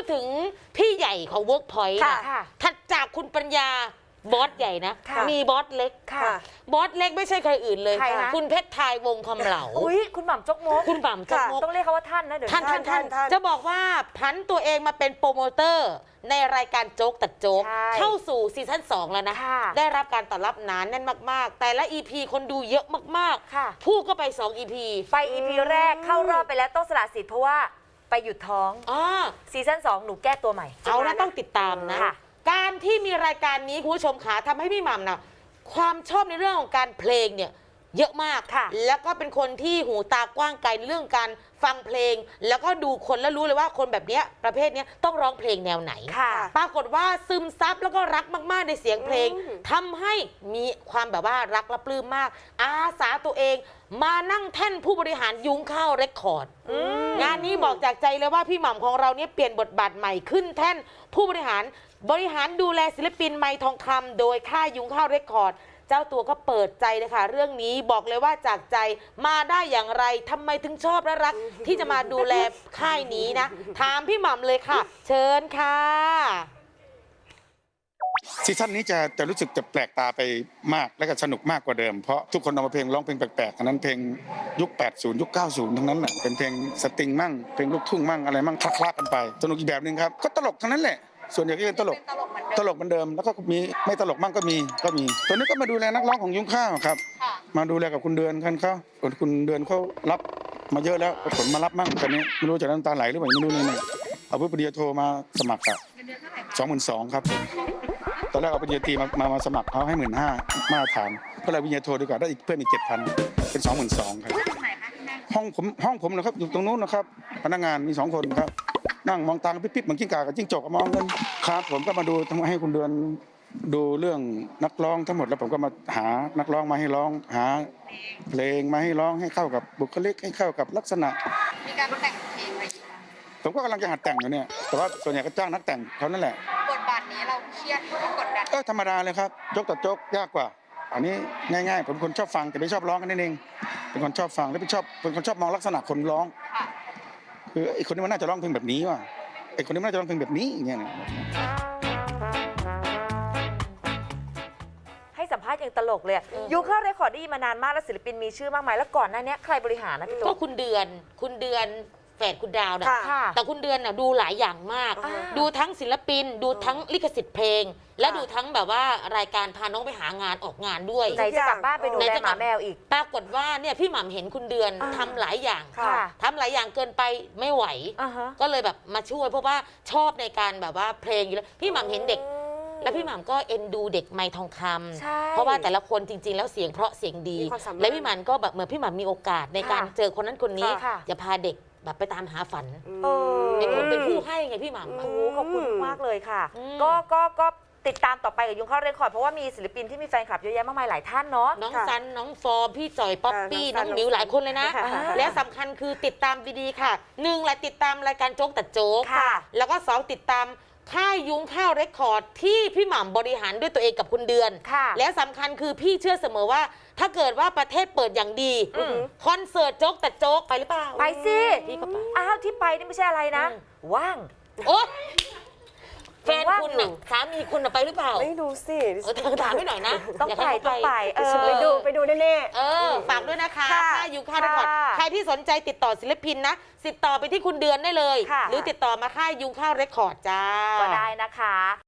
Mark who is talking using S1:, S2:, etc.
S1: ดถึงพี่ใหญ่ของ Workpoint ถัดจากคุณปัญญาบอสใหญ่นะมีบอสเล็กบอสเล็กไม่ใช่ใครอื่นเลยคุณเพชรทายวงคำเหลา
S2: คุณหม่ำจกมก
S1: คุณหม่ำจกมก
S2: ต้องเรียกเขาว่าท่านนะเดี๋ยว
S1: ท่านจะบอกว่าผันตัวเองมาเป็นโปรโมเตอร์ในรายการโจ๊กตัดโจ๊กเข้าสู่ซีซั่น2แล้วนะได้รับการตอบรับหนาแน่นมากๆแต่ละ EP คนดูเยอะมากๆพูดก็ไป2 EP
S2: ไป EP แรกเข้ารอบไปแล้วต้องสละสิทธิ์เพราะว่าไปหยุดท้องซีซั่น2หนูแก้ตัวใหม่
S1: เอาแล้วต้องติดตามนะการที่มีรายการนี้คุณผู้ชมขาทำให้พี่หม่ำนะความชอบในเรื่องของการเพลงเนี่ยเยอะมากแล้วก็เป็นคนที่หูตากว้างไกลเรื่องการฟังเพลงแล้วก็ดูคนแล้วรู้เลยว่าคนแบบนี้ประเภทนี้ต้องร้องเพลงแนวไหนปรากฏว่าซึมซับแล้วก็รักมากๆในเสียงเพลงทำให้มีความแบบว่ารักและปลื้มมากอาสาตัวเองมานั่งแท่นผู้บริหารยุ้งข้าวเรคคอร์ดงานนี้บอกจากใจเลยว่าพี่หม่ำของเราเนี่ยเปลี่ยนบทบาทใหม่ขึ้นแท่นผู้บริหารดูแลศิลปินไมค์ทองคำโดยค่ายยุ้งข้าวเรคคอร์ดเจ้าตัวก็เปิดใจเลยค่ะเรื่องนี้บอกเลยว่าจากใจมาได้อย่างไรทำไมถึงชอบและรักที่จะมาดูแลค่ายนี้นะถามพี่หม่ำเลยค่ะเชิญค่ะ
S3: ซีซั่นนี้จะรู้สึกจะแปลกตาไปมากและก็สนุกมากกว่าเดิมเพราะทุกคนเอามาเพลงร้องเพลงแปลกๆอันนั้นเพลงยุค80ยุค90ทั้งนั้นแหละเป็นเพลงสตริงมั่งเพลงลูกทุ่งมั่งอะไรมั่งคลักๆกันไปสนุกอีกแบบนึงครับก็ตลกทั้งนั้นแหละส่วนใหญ่ก็เป็นตลกเหมือนเดิมแล้วก็มีไม่ตลกมั่งก็มีตัวนี้ก็มาดูแลนักร้องของยุ้งข้าวครับมาดูแลกับคุณเดือนเขาคุณเดือนเขารับมาเยอะแล้วผลมารับมั่งตอนนี้ไม่รู้จะน้ำตาไหลหรือเปล่าไม่รู้เลยเอาผู้ปริญญาโทมาสมัครอะ22,000ครับตอนแรกเอาปริญญาตรีมาสมัครเขาให้15,000มาตรฐานก็เลยปริญญาโทดีกว่าได้อีกเพิ่มอีก7,000เป็น22,000ครับห้องผมนะครับอยู่ตรงนู้นนะครับพนักงานมี2 คนครับนั่งมองตาปิ๊บๆเหมือนกิ้งก่ากับจิ้งจกมองกันครับผมก็มาดูให้คุณเดือนดูเรื่องนักร้องทั้งหมดแล้วผมก็มาหานักร้องมาให้ร้องหาเพลงมาให้ร้องให้เข้ากับบุคลิกให้เข้ากับลักษณะ
S4: มีการแต่งเพลงอะไร
S3: ผมก็กำลังจะหัดแต่งอยู่เนี่ยแต่ว่าส่วนใหญ่ก็จ้างนักแต่งเขานั่นแหละ
S4: บทบาทนี้เราเครียดหรือกดดัน
S3: ธรรมดาเลยครับยกต่อโจ๊กยากกว่าอันนี้ง่ายๆผมคนชอบฟังแต่ไม่ชอบร้องกันนั่นเองเป็นคนชอบฟังและเป็นคนชอบมองลักษณะคนร้องคือไอ้คนนี้มันน่าจะร้องเพลงแบบนี้ว่ะไอ้คนนี้มันน่าจะร้องเพลงแบบนี้อย่างเงี้ย
S2: ให้สัมภาษณ์อย่างตลกเลยยุ้งข้าวเรคคอร์ดได้มานานมากแล้วศิลปินมีชื่อมากมายแล้วก่อนหน้านี้ใครบริหารนะพี่ตุ๊ก
S1: ก็คุณเดือนแฝดคุณดาวนะแต่คุณเดือนน่ะดูหลายอย่างมากดูทั้งศิลปินดูทั้งลิขสิทธิ์เพลงและดูทั้งแบบว่ารายการพาน้องไปหางานออกงานด้วย
S2: ไหนจะกลับบ้านไปดูแลหมาแมวอีก
S1: ปรากฏว่าเนี่ยพี่หม่ำเห็นคุณเดือนทำหลายอย่างทำหลายอย่างเกินไปไม่ไหวก็เลยแบบมาช่วยเพราะว่าชอบในการแบบว่าเพลงอยู่แล้วพี่หม่ำเห็นเด็กแล้วพี่หม่ำก็เอ็นดูเด็กไมค์ทองคำเพราะว่าแต่ละคนจริงๆแล้วเสียงเพราะเสียงดีและพี่หม่ำก็แบบเหมือนพี่หม่ำมีโอกาสในการเจอคนนั้นคนนี้จะพาเด็กแบบไปตามหาฝันเป็นผู้ให้ไงพี่หม่ำ
S2: ขอบคุณมากเลยค่ะก็ติดตามต่อไปกับยุ้งข้าวเรคคอร์ดเพราะว่ามีศิลปินที่มีแฟนคลับเยอะแยะมากมายหลายท่านเนาะ
S1: น้องซันน้องฟอร์มพี่จ่อยป๊อปปี้น้องมิวหลายคนเลยนะและสำคัญคือติดตามดีๆค่ะ1และติดตามรายการโจ๊กตัดโจ๊กแล้วก็2ติดตามค่ายยุ้งข้าวเรคคอร์ดที่พี่หม่ำบริหารด้วยตัวเองกับคุณเดือนและสำคัญคือพี่เชื่อเสมอว่าถ้าเกิดว่าประเทศเปิดอย่างดีคอนเสิร์ตโจ๊กแต่โจ๊กไปหรือเปล่า
S2: ไปสิ
S1: พี่ก็ไป
S2: ที่ไปนี่ไม่ใช่อะไรนะว่าง
S1: โอ๊แฟนคุณน่ะสามีคุณน่ะไปหรือเปล่า
S5: ไม่รู้สิ
S1: ถามให้หน่อยนะ
S2: ต้องไป
S5: ไปดูแน่
S1: ฝากด้วยนะคะค่ายยุ้งข้าวเรคคอร์ดใครที่สนใจติดต่อศิลปินนะติดต่อไปที่คุณเดือนได้เลยหรือติดต่อมาค่ายยุ้งข้าวเรคคอร์ดจ้า
S2: ก็ได้นะคะ